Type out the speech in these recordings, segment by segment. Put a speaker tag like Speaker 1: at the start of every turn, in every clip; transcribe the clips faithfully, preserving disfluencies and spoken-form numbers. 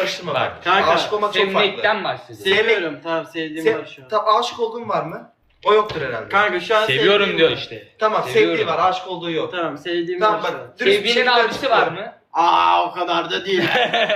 Speaker 1: Karıştırma
Speaker 2: Bak,
Speaker 1: bak.
Speaker 3: kanka,
Speaker 1: Aşık olmak çok farklı.
Speaker 2: Sevmekten bahsediyorum.
Speaker 3: Seviyorum, tamam sevdiğim
Speaker 1: Sev...
Speaker 3: var şu an.
Speaker 1: Tamam, aşık olduğun var mı? O yoktur herhalde.
Speaker 3: Kanka şu an
Speaker 2: Seviyorum
Speaker 3: sevdiğim
Speaker 2: diyor
Speaker 3: var.
Speaker 2: işte.
Speaker 1: Tamam,
Speaker 2: Seviyorum.
Speaker 1: sevdiği var, aşık olduğu yok.
Speaker 3: Tamam sevdiğim
Speaker 1: Tamam
Speaker 3: var şu
Speaker 1: bak.
Speaker 3: an.
Speaker 1: dürüst bir
Speaker 2: Sevgilinin
Speaker 1: şekilde
Speaker 2: abisi var
Speaker 1: açıklıyorum.
Speaker 2: mı?
Speaker 3: Aa o kadar da değil.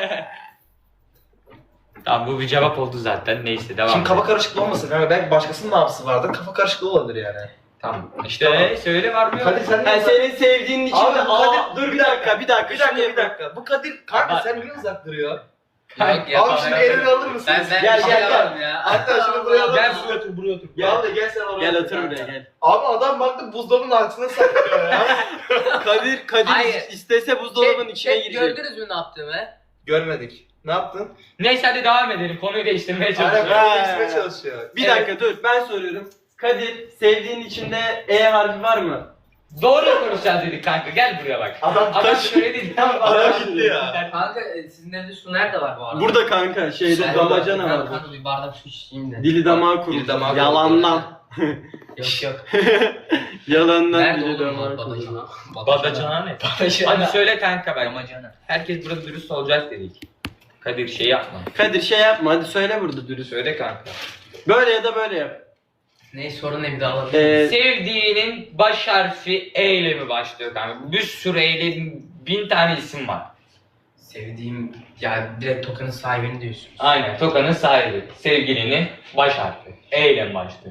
Speaker 2: Tamam bu bir cevap oldu zaten. Neyse devam.
Speaker 1: Şimdi kafa
Speaker 2: edelim.
Speaker 1: karışıklığı olmasın. Yani belki başkasının abisi vardır. Kafa karışıklığı olabilir yani.
Speaker 2: Tamam. İşte
Speaker 1: Tamam.
Speaker 2: söyle var mı yok?
Speaker 1: Kadir sen
Speaker 3: Yani
Speaker 1: niye
Speaker 3: senin sevdiğin için
Speaker 1: Abi,
Speaker 3: de
Speaker 1: bu
Speaker 3: aa,
Speaker 1: Kadir-
Speaker 3: dur bir dakika bir dakika
Speaker 1: Bir dakika
Speaker 3: şunu
Speaker 1: bir
Speaker 3: yapayım.
Speaker 1: dakika. Bu Kadir kanka
Speaker 2: Bak.
Speaker 1: sen niye uzak duruyor?
Speaker 2: Kanka,
Speaker 4: Yok,
Speaker 1: Abi şimdi elini alır mısınız?
Speaker 4: Ben ben
Speaker 3: Gel,
Speaker 4: bir şey
Speaker 3: gel,
Speaker 4: yapamam ya.
Speaker 1: Hatta şunu buraya alır
Speaker 2: Gel
Speaker 1: mısın?
Speaker 2: buraya otur buraya otur.
Speaker 1: Gel de gel sen oraya.
Speaker 3: Gel otur buraya gel.
Speaker 1: Abi adam baktı buzdolabının altına saklıyor ya.
Speaker 3: Kadir Kadir
Speaker 4: Hayır.
Speaker 3: istese buzdolabının
Speaker 4: Şey-
Speaker 3: içine
Speaker 4: şey,
Speaker 3: girecek.
Speaker 4: Gördünüz mü ne yaptığımı?
Speaker 1: Görmedik. Ne yaptın?
Speaker 2: Neyse hadi devam edelim. Konuyu değiştirmeye
Speaker 1: Aynen
Speaker 2: çalışıyorum.
Speaker 3: Ha.
Speaker 1: böyle değiştirmeye çalışıyor.
Speaker 3: Bir
Speaker 2: Evet.
Speaker 3: dakika dur ben soruyorum. Kadir sevdiğin içinde E harfi var mı?
Speaker 2: Doğru konuşacağız dedik kanka. Gel buraya bak.
Speaker 1: Adam
Speaker 2: Adam
Speaker 1: taş.
Speaker 2: söyledi.
Speaker 1: Adam gitti ya.
Speaker 4: Kanka e, sizin evde su nerede var bu arada?
Speaker 3: Burada kanka şeyde
Speaker 4: Ben-
Speaker 3: damacana
Speaker 4: ben-
Speaker 3: var.
Speaker 4: Kanka bir bardak su içeyim de.
Speaker 3: Dili damağı kurur.
Speaker 1: Dili damağı kurur.
Speaker 3: Yalandan.
Speaker 4: Yok yok.
Speaker 3: Yalandan
Speaker 4: Nerede
Speaker 3: dili
Speaker 4: oğlum
Speaker 3: damağı
Speaker 4: lan
Speaker 3: kurur.
Speaker 4: badacana?
Speaker 2: Badacana ne?
Speaker 4: Badacana.
Speaker 2: Hadi söyle kanka ben.
Speaker 4: Damacana.
Speaker 2: Herkes burada dürüst olacak dedik. Kadir şey yapma.
Speaker 3: Kadir şey yapma hadi söyle burada dürüst.
Speaker 2: Söyle kanka.
Speaker 3: Böyle ya da böyle yap.
Speaker 4: Ne sorun ne bir daha alabilir miyim?
Speaker 3: Ee,
Speaker 2: Sevdiğinin baş harfi E ile mi başlıyor kanka? Bir sürü E ile bin tane isim var.
Speaker 4: Sevdiğim ya direkt tokanın sahibini diyorsunuz.
Speaker 2: Aynen. Tokanın sahibi. Sevgilinin baş harfi. E ile mi başlıyor?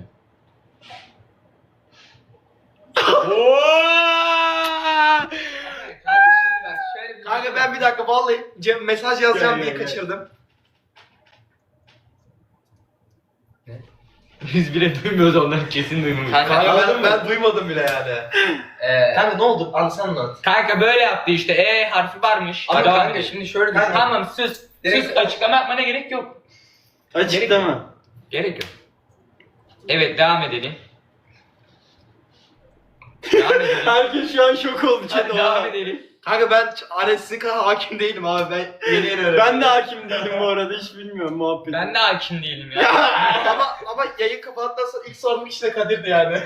Speaker 1: Kanka ben bir dakika vallahi Cem mesaj yazacağım
Speaker 3: Gel,
Speaker 1: diye
Speaker 3: gel, gel.
Speaker 1: kaçırdım.
Speaker 2: Biz bile duymuyoruz onları kesin duymuyoruz.
Speaker 4: Kanka,
Speaker 1: Kanka
Speaker 4: anladın
Speaker 1: ben,
Speaker 4: mı?
Speaker 1: ben duymadım bile yani.
Speaker 4: Ee,
Speaker 1: Kanka ne oldu? Anlasana anlat.
Speaker 2: Kanka böyle yaptı işte E harfi varmış.
Speaker 4: ama
Speaker 2: Devam
Speaker 4: kanka
Speaker 2: edelim.
Speaker 4: şimdi şöyle
Speaker 1: Kanka,
Speaker 4: düşün.
Speaker 2: Tamam sus.
Speaker 4: Direkt-
Speaker 2: Sus açıklama yapmana gerek yok.
Speaker 3: Açıklama.
Speaker 2: Gerek yok. Evet devam edelim. Devam edelim.
Speaker 3: Herkes şu an şok oldu.
Speaker 2: Hadi
Speaker 3: Çeto.
Speaker 2: devam edelim.
Speaker 1: Kanka ben hani sizin kadar hakim değilim abi ben yeni yeni öğrendim.
Speaker 3: Ben de hakim değilim bu arada hiç bilmiyorum muhabbeti.
Speaker 2: Ben de hakim değilim ya.
Speaker 1: ama ama yayın kapandıktan sonra ilk sorduğum kişi de Kadir'di yani.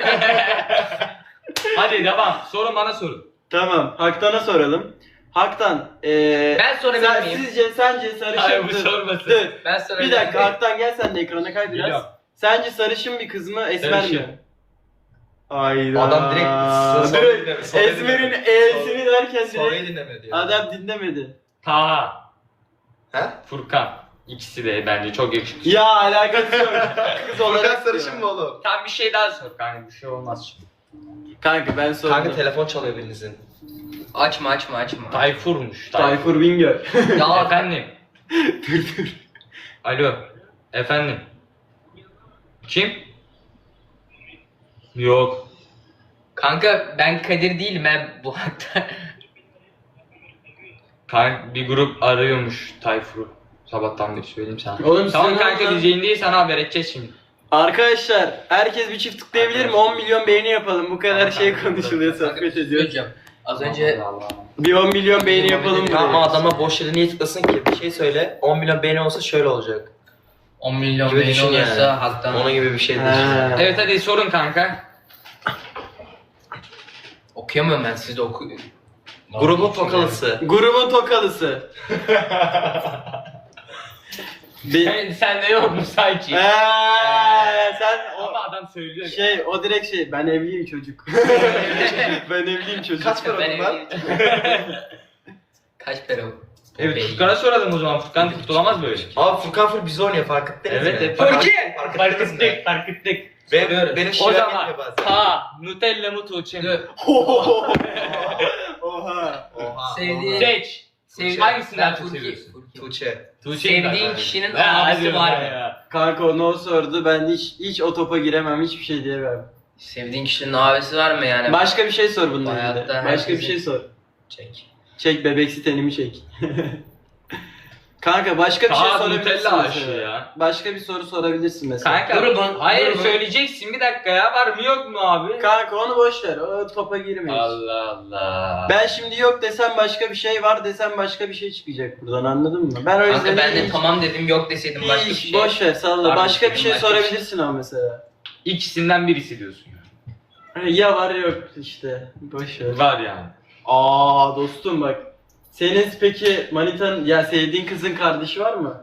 Speaker 2: Hadi devam. Sorun bana sorun.
Speaker 3: Tamam Haktan'a soralım. Haktan ee,
Speaker 4: Ben sorabilir
Speaker 3: sen,
Speaker 4: miyim?
Speaker 3: sizce sence sarışın
Speaker 2: Hayır bu
Speaker 3: dur,
Speaker 2: sormasın.
Speaker 3: dur.
Speaker 4: Ben
Speaker 3: Bir
Speaker 4: sorabilir
Speaker 3: dakika
Speaker 4: miyim?
Speaker 3: Haktan gel sen de ekrana kay biraz.
Speaker 2: Geliyorum.
Speaker 3: Sence sarışın bir kız mı esmer
Speaker 2: Sarışın.
Speaker 3: mi? Hayda.
Speaker 1: Adam direkt soruyu
Speaker 3: Direkt
Speaker 1: dinledi, soruyu
Speaker 3: Esmer'in
Speaker 1: dinledi.
Speaker 3: E'sini derken
Speaker 1: Soruyu
Speaker 3: direkt
Speaker 1: dinlemedi ya.
Speaker 3: adam dinlemedi.
Speaker 2: Taha,
Speaker 1: He?
Speaker 2: Furkan. İkisi de bence çok yakışıklı.
Speaker 3: Ya alakası yok. Kız
Speaker 1: Furkan
Speaker 3: olarak
Speaker 1: sarışın
Speaker 3: diyor.
Speaker 1: mı oğlum?
Speaker 2: Tam bir şey daha sor kanka bir şey olmaz şimdi.
Speaker 3: Kanka ben sordum.
Speaker 1: Kanka telefon çalıyor birinizin.
Speaker 4: Açma açma açma.
Speaker 2: Tayfur'muş.
Speaker 3: Tayfur Bingöl.
Speaker 4: Ya
Speaker 2: Efendim.
Speaker 3: dur dur.
Speaker 2: Alo. Efendim. Kim? Yok.
Speaker 4: kanka ben Kadir değilim ben bu hatta.
Speaker 2: Kanka bir grup arıyormuş Tayfur'u. Sabahtan beri söyleyeyim sana.
Speaker 3: Oğlum
Speaker 2: Tamam
Speaker 3: sen
Speaker 2: kanka
Speaker 3: oradan-
Speaker 2: biz yayındayız sana haber edeceğiz şimdi.
Speaker 3: Arkadaşlar herkes bir çift tıklayabilir mi? on milyon beğeni yapalım. Bu kadar
Speaker 2: Tamam,
Speaker 3: şey
Speaker 2: tamam,
Speaker 3: konuşuluyor,
Speaker 4: Kanka,
Speaker 3: sohbet
Speaker 4: bir şey
Speaker 3: ediyoruz.
Speaker 4: söyleyeceğim. Az önce
Speaker 2: Allah Allah.
Speaker 3: Bir on milyon beğeni yapalım
Speaker 1: Ya ama
Speaker 3: buraya.
Speaker 1: adama boş yere niye tıklasın ki? Bir şey söyle. on milyon beğeni olsa şöyle olacak.
Speaker 4: on milyon
Speaker 1: Gibi
Speaker 4: beğeni
Speaker 1: düşün yani.
Speaker 4: olursa halktan.
Speaker 1: Onun gibi bir şey
Speaker 3: Ha.
Speaker 1: değil.
Speaker 2: Evet hadi sorun kanka.
Speaker 4: Okuyamıyorum ben siz de oku.
Speaker 1: Grubun tokalısı.
Speaker 3: Grubun tokalısı. Bir...
Speaker 2: Sen, sende yok mu sanki?
Speaker 3: Eee, sen
Speaker 2: Ama
Speaker 3: o
Speaker 2: adam söylüyor.
Speaker 3: şey o direkt şey ben evliyim çocuk. ben evliyim çocuk.
Speaker 1: Kaç para
Speaker 4: Ben
Speaker 1: bunlar?
Speaker 4: evliyim. Kaç para?
Speaker 2: Evet Furkan'a soralım o zaman. Furkan kurtulamaz böyle.
Speaker 1: Abi Furkan Fır bizi oynuyor fark ettiniz
Speaker 2: Evet,
Speaker 1: mi?
Speaker 2: evet.
Speaker 1: Fark-
Speaker 2: Furki!
Speaker 1: fark
Speaker 2: Fark
Speaker 1: ettiniz mi?
Speaker 2: ettik, fark ettik.
Speaker 1: Benim, benim
Speaker 2: O
Speaker 1: şivem
Speaker 2: zaman
Speaker 1: yetmiyor bazen.
Speaker 2: ha Nutella mı Tuğçe mi?
Speaker 4: Dur.
Speaker 3: Oha.
Speaker 1: Oha.
Speaker 4: Sevdiğin-
Speaker 2: Seç.
Speaker 4: Sevdiğin
Speaker 2: Hangisinden çok
Speaker 4: Furki-
Speaker 2: seviyorsun?
Speaker 4: Furki.
Speaker 1: Tuğçe.
Speaker 2: Tuğçe'yi
Speaker 4: Sevdiğin
Speaker 2: bak.
Speaker 4: kişinin
Speaker 2: Ya,
Speaker 4: abisi
Speaker 2: hadi
Speaker 4: var
Speaker 2: be
Speaker 4: mı?
Speaker 2: ya.
Speaker 3: Kanka onu o sordu ben hiç hiç o topa giremem hiçbir şey diyemem.
Speaker 4: Sevdiğin kişinin abisi var mı yani?
Speaker 3: Başka bir şey sor bununla
Speaker 4: Hayatta
Speaker 3: ilgili. Başka bir
Speaker 4: herkesin-
Speaker 3: şey sor.
Speaker 4: Çek.
Speaker 3: Çek bebeksi tenimi çek. Kanka başka bir şey
Speaker 2: Daha
Speaker 3: sorabilirsin
Speaker 2: Nutella aşığı
Speaker 3: mesela.
Speaker 2: ya.
Speaker 3: Başka bir soru sorabilirsin mesela.
Speaker 2: Kanka
Speaker 4: Grubun-
Speaker 2: hayır
Speaker 4: grubun-
Speaker 2: söyleyeceksin bir dakika ya var mı yok mu abi?
Speaker 3: Kanka onu boş ver. O topa girmeyiz.
Speaker 2: Allah Allah.
Speaker 3: Ben şimdi yok desem başka bir şey var desem başka bir şey çıkacak buradan anladın mı? Ben o yüzden
Speaker 4: Kanka ben de
Speaker 3: hiç-
Speaker 4: tamam dedim yok deseydim başka bir
Speaker 3: hiç
Speaker 4: şey.
Speaker 3: boş ver salla.
Speaker 2: Harbi
Speaker 3: Başka bir
Speaker 4: dedim,
Speaker 3: şey
Speaker 4: başka bir
Speaker 3: sorabilirsin ama mesela.
Speaker 2: İkisinden birisi diyorsun.
Speaker 3: Ya var yok işte. Boş ver.
Speaker 2: Var yani.
Speaker 3: Aa dostum bak. Senin peki manitanın ya sevdiğin kızın kardeşi var mı?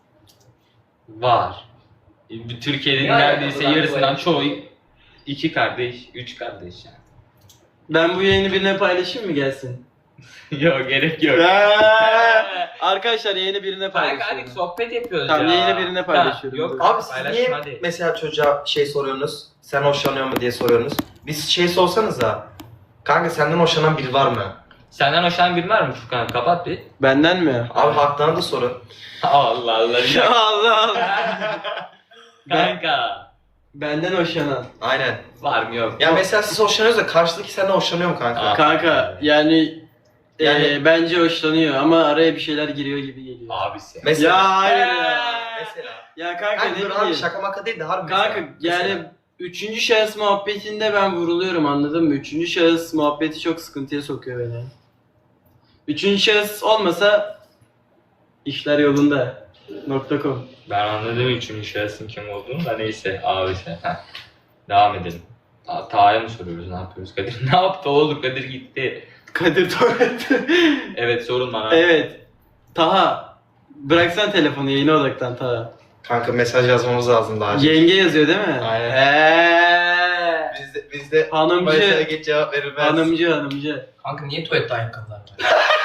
Speaker 2: Var. Bir Türkiye'nin
Speaker 4: Ne
Speaker 2: neredeyse
Speaker 4: alakalı lan bu
Speaker 2: yarısından
Speaker 4: yani?
Speaker 2: çoğu iki kardeş, üç kardeş yani.
Speaker 3: Ben bu yayını birine paylaşayım mı gelsin?
Speaker 2: Yok gerek yok.
Speaker 3: Arkadaşlar yayını birine
Speaker 2: Kanka hadi
Speaker 3: paylaşıyorum.
Speaker 2: sohbet yapıyoruz
Speaker 3: Tamam,
Speaker 2: ya.
Speaker 3: yayını birine paylaşıyorum.
Speaker 2: Ha, yok
Speaker 1: Abi siz
Speaker 2: paylaşma
Speaker 1: niye
Speaker 2: hadi.
Speaker 1: mesela çocuğa şey soruyorsunuz? Sen hoşlanıyor mu diye soruyorsunuz. Biz şey sorsanıza. Kanka senden hoşlanan biri var mı?
Speaker 2: Senden hoşlanan biri var mı Furkan? Kapat bir.
Speaker 3: Benden mi?
Speaker 1: Abi haklarına da sorun.
Speaker 2: Allah Allah.
Speaker 3: Ya Allah Allah.
Speaker 2: Kanka.
Speaker 3: Benden hoşlanan.
Speaker 1: Aynen.
Speaker 2: Var mı yok?
Speaker 1: Ya mesela siz hoşlanıyorsunuz da karşıdaki senden hoşlanıyor mu kanka?
Speaker 2: Aa.
Speaker 3: Kanka yani,
Speaker 1: Yani-
Speaker 3: e, bence hoşlanıyor ama araya bir şeyler giriyor gibi geliyor.
Speaker 2: Abisi.
Speaker 1: Mesela.
Speaker 3: Ya hayır ya.
Speaker 1: Mesela.
Speaker 3: Ya kanka
Speaker 1: Kanka
Speaker 3: ne
Speaker 1: dur abi
Speaker 3: bileyim.
Speaker 1: şaka maka değil de harbi
Speaker 3: Kanka
Speaker 1: mesela.
Speaker 3: yani
Speaker 1: Mesela.
Speaker 3: üçüncü şahıs muhabbetinde ben vuruluyorum, anladın mı? Üçüncü şahıs muhabbeti çok sıkıntıya sokuyor beni. Üçüncü şahıs olmasa işler yolunda. .com.
Speaker 2: Ben anladım üçüncü şahsın kim olduğunu da neyse abisi. Heh. Devam edelim. Ta Taha'ya mı soruyoruz ne yapıyoruz? Kadir ne yaptı oğlum? Kadir gitti.
Speaker 3: Kadir Tuvalet.
Speaker 2: Evet sorun bana.
Speaker 3: Evet. Taha. Bıraksan telefonu, yayına odaklan Taha.
Speaker 1: Kanka mesaj yazmamız lazım daha önce.
Speaker 3: Yenge yazıyor değil mi?
Speaker 1: Aynen.
Speaker 3: Eee.
Speaker 1: Biz de, biz de mesajlara
Speaker 3: Hanımcı.
Speaker 1: geç cevap verilmez.
Speaker 3: Hanımcı hanımcı.
Speaker 4: Kanka niye tuvalette ayakkabılar var?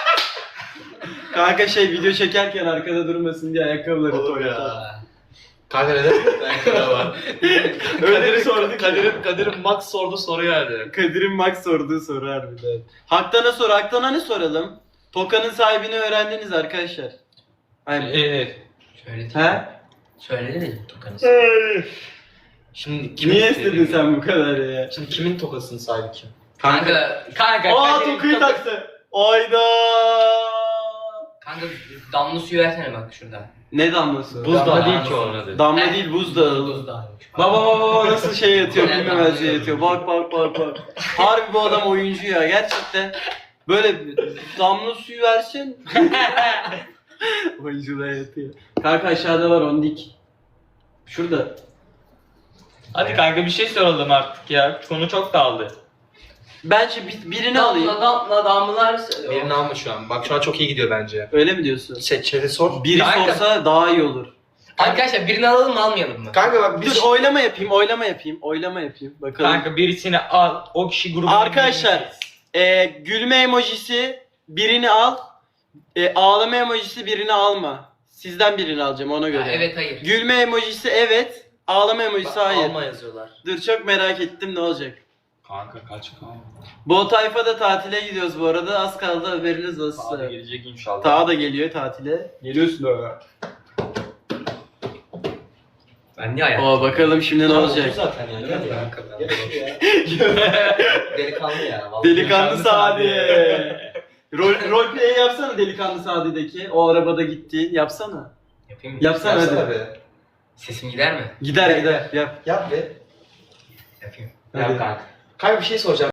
Speaker 3: Kanka şey video çekerken arkada durmasın diye ayakkabıları
Speaker 1: Olur
Speaker 3: tuvalete.
Speaker 1: ya. Kanka neden? Kanka var.
Speaker 3: Öyle bir
Speaker 1: Kadir'in-
Speaker 3: sorduk.
Speaker 1: Kadir'in, Kadir'in Max sordu soru yani.
Speaker 3: Kadir'in Max sorduğu soru harbiden. Haktan'a sor. Haktan'a ne soralım? Toka'nın sahibini öğrendiniz arkadaşlar. Hayır.
Speaker 2: Evet.
Speaker 4: Söyledi.
Speaker 3: He?
Speaker 4: Söyledi de Tukan'ı.
Speaker 1: Şimdi kimin
Speaker 3: Niye istedin sen bu kadar ya?
Speaker 1: Şimdi kimin tokasının sahibi kim?
Speaker 4: Kanka, kanka.
Speaker 3: Aa
Speaker 4: Kadir'in
Speaker 3: Toka'yı
Speaker 4: toka-
Speaker 3: taktı. Ayda.
Speaker 4: Kanka damla suyu versene bak şurada.
Speaker 3: Ne damlası?
Speaker 1: Buz
Speaker 2: Damla
Speaker 1: dağı.
Speaker 2: değil ki onun adı.
Speaker 3: Damla
Speaker 4: He.
Speaker 3: değil, buzdağı.
Speaker 4: Buzdağıymış.
Speaker 3: Baba baba baba nasıl şey yatıyor,
Speaker 4: Ne
Speaker 3: bilmemez
Speaker 4: damla
Speaker 3: yatıyor. Bak bak bak bak. Harbi bu adam oyuncu ya, gerçekten. Böyle damla suyu versin. Oyunculuğa yatıyor. Kanka aşağıda var ondik. Şurada.
Speaker 2: Hadi kanka bir şey soralım artık ya. Konu çok dağıldı.
Speaker 3: Bence bir- birini alayım.
Speaker 4: Damla damla damlalar.
Speaker 1: Birini alma şu an. Bak şu an çok iyi gidiyor bence.
Speaker 3: Öyle mi diyorsun?
Speaker 1: Şey, chat'e sor.
Speaker 3: Biri
Speaker 4: Kanka.
Speaker 3: sorsa daha iyi olur.
Speaker 4: Arkadaşlar birini alalım mı almayalım mı?
Speaker 1: Kanka bak biz...
Speaker 3: Dur oylama yapayım, oylama yapayım, oylama yapayım. Bakalım.
Speaker 2: Kanka birisini al. O kişi grubun
Speaker 3: Arkadaşlar, e, gülme emojisi birini al. E, ağlama emojisi birini alma. Sizden birini alacağım ona göre.
Speaker 4: Ha, evet hayır.
Speaker 3: Gülme emojisi evet. Ağlama emojisi hayır.
Speaker 1: Alma yazıyorlar.
Speaker 3: Dur çok merak ettim ne olacak.
Speaker 2: Kanka kaç kanka.
Speaker 3: Bu tayfa da tatile gidiyoruz bu arada. Az kaldı, haberiniz olsun.
Speaker 2: Hadi gelecek inşallah.
Speaker 3: Taha da geliyor tatile. Geliyorsun da.
Speaker 4: Ben niye ayak?
Speaker 3: Oo bakalım şimdi ne olacak.
Speaker 1: Zaten yani. Hadi ya. Delikanlı ya. vallahi.
Speaker 3: Delikanlı Sadi. Rol, roleplay yapsana Delikanlı Sadi'deki. O arabada gitti. Yapsana.
Speaker 4: Yapayım mı?
Speaker 3: Yapsana
Speaker 1: Yapsana
Speaker 3: hadi.
Speaker 1: be.
Speaker 4: Sesim gider mi?
Speaker 3: Gider gider. Yap.
Speaker 1: Yap be.
Speaker 4: Yapayım.
Speaker 3: Hadi.
Speaker 2: Yap kanka.
Speaker 1: Kanka bir şey soracağım.